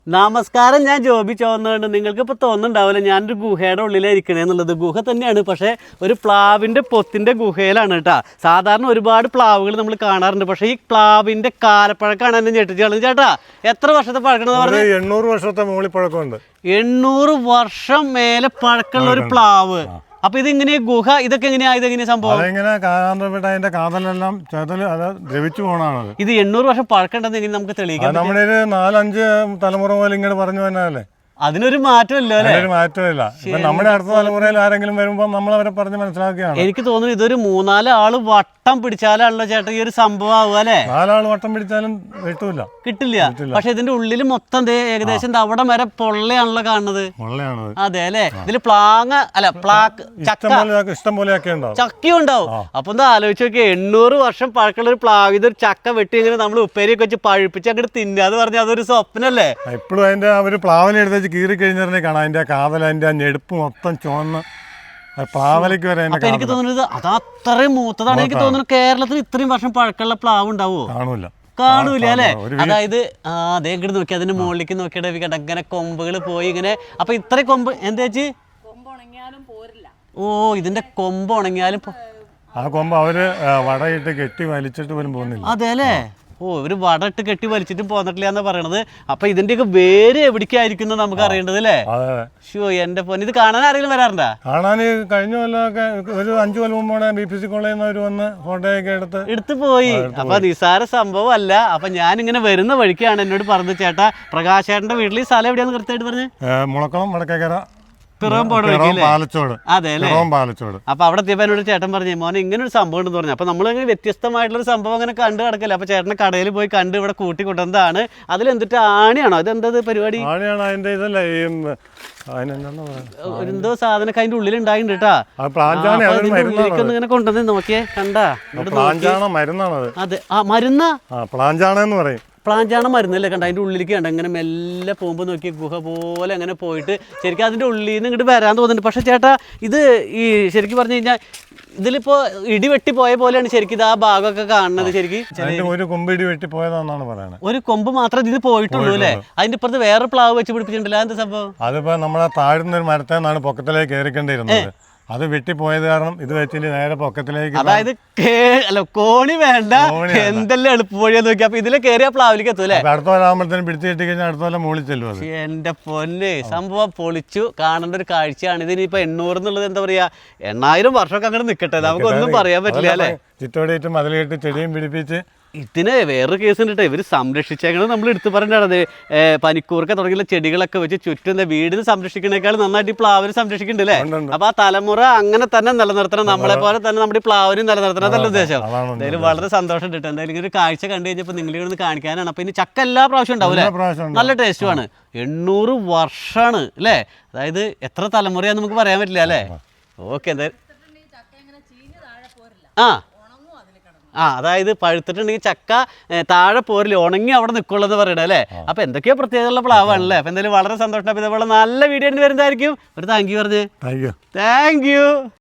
നമസ്കാരം, ഞാൻ ജോബി ചോന്നുണ്ട്. നിങ്ങൾക്ക് ഇപ്പോൾ തോന്നുന്നുണ്ടാവില്ല ഞാനൊരു ഗുഹയുടെ ഉള്ളിലായിരിക്കണേന്നുള്ളത്. ഗുഹ തന്നെയാണ്, പക്ഷേ ഒരു പ്ലാവിൻ്റെ പൊത്തിൻ്റെ ഗുഹയിലാണ് കേട്ടോ. സാധാരണ ഒരുപാട് പ്ലാവുകൾ നമ്മൾ കാണാറുണ്ട്, പക്ഷേ ഈ പ്ലാവിൻ്റെ കാലപ്പഴക്കമാണ് എന്നെ ഞെട്ടിച്ച് കളഞ്ഞത്. ചേട്ടാ, എത്ര വർഷത്തെ പഴക്കണമെന്ന് പറഞ്ഞാൽ 800 വർഷത്തെ മുകളിൽ പഴക്കമുണ്ട്. 800 വർഷം മേലെ പഴക്കമുള്ള ഒരു പ്ലാവ്. അപ്പൊ ഇതിങ്ങനെ ഗുഹ ഇതൊക്കെ ഇതെങ്ങനെയാ സംഭവം? അതിന്റെ കാതലെല്ലാം ദ്രവിച്ചു പോണാണ്. ഇത് 800 വർഷം പഴക്കമുണ്ടെന്ന് എങ്ങനെ നമുക്ക് തെളിയിക്കാം? നമ്മുടെ 4-5 തലമുറ പോലെ ഇങ്ങനെ പറഞ്ഞു തന്നെയല്ലേ. അതിനൊരു മാറ്റമില്ല അല്ലേ? ഒരു മാറ്റമില്ല. നമ്മുടെ അടുത്ത തലമുറയിൽ ആരെങ്കിലും വരുമ്പോൾ നമ്മൾ അവരെ പറഞ്ഞ് മനസ്സിലാക്കുകയാണ്. എനിക്ക് തോന്നുന്നു ഇതൊരു 3-4 ആള് വട്ടം പിടിച്ചാലാണല്ലോ ചേട്ടാ ഈ ഒരു സംഭവം ആവുക അല്ലേ? 4 ആള് വട്ടം പിടിച്ചാലും കിട്ടില്ല. പക്ഷെ ഇതിന്റെ ഉള്ളിൽ മൊത്തം ഏകദേശം അവിടെ വരെ പൊള്ളയാണല്ലോ കാണുന്നത്. അതെ അല്ലെ? ഇതില് ഇഷ്ടം പോലെയൊക്കെ ഉണ്ടാവും, ചക്കയും ഉണ്ടാവും. അപ്പൊ എന്താ ആലോചിച്ച് നോക്കിയാ, 800 വർഷം പഴക്കമുള്ള ഒരു പ്ലാവ്, ഇതൊരു ചക്ക വെട്ടി ഇങ്ങനെ നമ്മൾ ഉപ്പേരിയൊക്കെ വെച്ച് പഴുപ്പിച്ച് അങ്ങോട്ട് തിന്നാന്ന് പറഞ്ഞാൽ അതൊരു സ്വപ്നല്ലേ? ഇപ്പോഴും അതിന്റെ ഒരു പ്ലാവിനെ എടുത്ത് കീറി കഴിഞ്ഞാൽ കാണാം അതിന്റെ കാതൽ, അതിന്റെ ആ ഞെടുപ്പ് മൊത്തം ചുവന്ന് പ്ലാവലേക്ക് വരെ. എനിക്ക് തോന്നുന്നത് അത് അത്രയും മൂത്തതാണ്. എനിക്ക് തോന്നുന്നു കേരളത്തിൽ ഇത്രയും വർഷം പഴക്കമുള്ള പ്ലാവ് ഉണ്ടാവോ? കാണൂല അല്ലെ? അതായത് അതേ ഇങ്ങോട്ട് നോക്കി അതിന്റെ മുകളിലേക്ക് നോക്കിയിട്ട് അങ്ങനെ കൊമ്പുകൾ പോയി ഇങ്ങനെ. അപ്പൊ ഇത്ര കൊമ്പ് എന്താ വെച്ച് ഇതിന്റെ കൊമ്പ് ഉണങ്ങിയാലും ആ കൊമ്പ് അവര് വടയിട്ട് കെട്ടി വലിച്ചിട്ട് പോലും പോകുന്നില്ല. അതെ അല്ലേ? ഒരു വട ഇട്ട് കെട്ടി വലിച്ചിട്ടും പോന്നിട്ടില്ല എന്ന് പറയണത്. അപ്പൊ ഇതിന്റെയൊക്കെ വേര് എവിടേക്കായിരിക്കും നമുക്ക് അറിയേണ്ടത് അല്ലേ? എന്റെ പൊന്ന്, ഇത് കാണാൻ ആരെങ്കിലും വരാറുണ്ടാ? കാണാൻ കഴിഞ്ഞ കൊല്ലമൊക്കെ ഒരു 5 കൊല്ലം മുമ്പോടെ BPC കോളേജിൽ നിന്ന് അവർ വന്ന് ഫോട്ടോയൊക്കെ എടുത്ത് പോയി. അപ്പൊ നിസാര സംഭവം അല്ല. അപ്പൊ ഞാനിങ്ങനെ വരുന്ന വഴിക്കാണ് എന്നോട് പറഞ്ഞത്, ചേട്ടാ പ്രകാശേട്ടന്റെ വീട്ടിൽ ഈ സ്ഥലം എവിടെയാന്ന് കൃത്യമായിട്ട് പറഞ്ഞു? മുളക്കുളം, വടക്കേക്കര, പാലച്ചോട്. അതെ അല്ലേ? അപ്പൊ അവിടെ എത്തിയപ്പോ എന്നോട് ചേട്ടൻ പറഞ്ഞു, മോനെ ഇങ്ങനെ ഒരു സംഭവം ഉണ്ടെന്ന് പറഞ്ഞു. അപ്പൊ നമ്മളിങ്ങനെ വ്യത്യസ്തമായിട്ടുള്ള സംഭവം അങ്ങനെ കണ്ടു കിടക്കല്ലേ. അപ്പൊ ചേട്ടനെ കടയിൽ പോയി കണ്ട് ഇവിടെ കൂട്ടി കൊണ്ടുവന്നതാണ്. അതിലെന്തിട്ട് ആണിയാണോ? അതെന്തത് പരിപാടി? ആണിയാണ് അതിന്റെ ഇതല്ലേ, എന്തോ സാധനം അതിന്റെ ഉള്ളിൽ ഉണ്ടായിട്ടുണ്ട് കേട്ടാ. ഇങ്ങനെ കൊണ്ടുവന്ന് നോക്കിയേ, കണ്ടാ? അതെ, മരുന്നാ? പ്ലാഞ്ചാണെന്ന് പറയും. പ്ലാഞ്ചാണ മരുന്നല്ലേ? കണ്ട അതിൻ്റെ ഉള്ളിലേക്ക് കണ്ട ഇങ്ങനെ മെല്ലെ പോകുമ്പോൾ നോക്കി ഗുഹ പോലെ അങ്ങനെ പോയിട്ട് ശരിക്കും അതിൻ്റെ ഉള്ളിൽ നിന്ന് ഇങ്ങോട്ട് വരാൻ തോന്നുന്നുണ്ട്. പക്ഷേ ചേട്ടാ, ഇത് ഈ ശരിക്കും പറഞ്ഞു കഴിഞ്ഞാൽ ഇതിലിപ്പോ ഇടിവെട്ടി പോയ പോലെയാണ് ശരിക്കും ഇത് ആ ഭാഗമൊക്കെ കാണുന്നത്. ശരിക്കും ഒരു കൊമ്പ് ഇടി വെട്ടി പോയതാണെന്നാണ് പറയുന്നത്. ഒരു കൊമ്പ് മാത്രമേ ഇതിന് പോയിട്ടുള്ളൂ അല്ലേ? അതിന്റെ ഇപ്പുറത്ത് വേറെ പ്ലാവ് വെച്ച് പിടിപ്പിച്ചിട്ടുണ്ടല്ലോ. എന്താ സംഭവം? അതിപ്പോ നമ്മളെ താഴ്ന്ന ഒരു മരത്തിൽ നിന്നാണ് പൊക്കത്തിലേക്ക് കയറിക്കൊണ്ടിരുന്നത്. അത് വെട്ടിപ്പോയത് കാരണം ഇത് വെച്ചിട്ട് നേരെ പൊക്കത്തിലേക്ക്. അതായത് കോണി വേണ്ട, എന്തെല്ലാം എളുപ്പ വഴിയാ നോക്കി. അപ്പൊ ഇതിലെ കയറിയ പ്ലാവിലേക്ക് എത്തൂല്ലേ? അടുത്ത കൊല്ലാകുമ്പോഴത്തേനും പിടിച്ചു കിട്ടി കഴിഞ്ഞാൽ അടുത്ത കൊല്ലം മുകളിൽ ചെല്ലും. എന്റെ പൊന്നെ, സംഭവം പൊളിച്ചു. കാണേണ്ട ഒരു കാഴ്ചയാണ്. ഇതിനിപ്പോ 800 എന്നുള്ളത് എന്താ പറയാ, 8000 വർഷമൊക്കെ അങ്ങനെ നിൽക്കട്ടെ, നമുക്കൊന്നും പറയാൻ പറ്റില്ല അല്ലേ? ചുറ്റോടിയിട്ട് മതിലിട്ട് ചെടിയും പിടിപ്പിച്ച്. ഇതിന് വേറൊരു കേസ് ഉണ്ട്. ഇവർ സംരക്ഷിച്ചേക്കണത് നമ്മൾ എടുത്തു പറഞ്ഞത് പനിക്കൂർക്ക തുടങ്ങിയുള്ള ചെടികളൊക്കെ വെച്ച് ചുറ്റും വീടിന് സംരക്ഷിക്കുന്നേക്കാൾ നന്നായിട്ട് ഈ പ്ലാവിന് സംരക്ഷിക്കുന്നുണ്ട് അല്ലേ? അപ്പൊ ആ തലമുറ അങ്ങനെ തന്നെ നിലനിർത്തണം, നമ്മളെ പോലെ തന്നെ നമ്മുടെ ഈ പ്ലാവിനും നിലനിർത്തണം എന്നല്ല ഉദ്ദേശം. എന്തായാലും വളരെ സന്തോഷം കിട്ടും. എന്തായാലും ഇങ്ങനെ ഒരു കാഴ്ച കണ്ടു കഴിഞ്ഞപ്പോൾ നിങ്ങളിവിടെ കാണിക്കാനാണ്. അപ്പൊ ഇനി ചക്ക എല്ലാ പ്രാവശ്യം ഉണ്ടാവില്ലേ? നല്ല ടേസ്റ്റുമാണ്. 800 വർഷമാണ് അല്ലേ? അതായത് എത്ര തലമുറയാന്ന് നമുക്ക് പറയാൻ പറ്റില്ല അല്ലേ? ഓക്കെ, എന്തായാലും അതായത് പഴുത്തിട്ടുണ്ടെങ്കിൽ ചക്ക താഴെ പോരില്ല, ഉണങ്ങി അവിടെ നിൽക്കുള്ളൂ പറയണേ അല്ലേ? അപ്പൊ എന്തൊക്കെയോ പ്രത്യേകതയുള്ള പ്ലാവാണല്ലേ? അപ്പൊ എന്തായാലും വളരെ സന്തോഷം. ഇതേപോലെ നല്ല വീഡിയോ വരുന്നതായിരിക്കും. ഒരു താങ്ക് യു പറഞ്ഞേ. Thank U.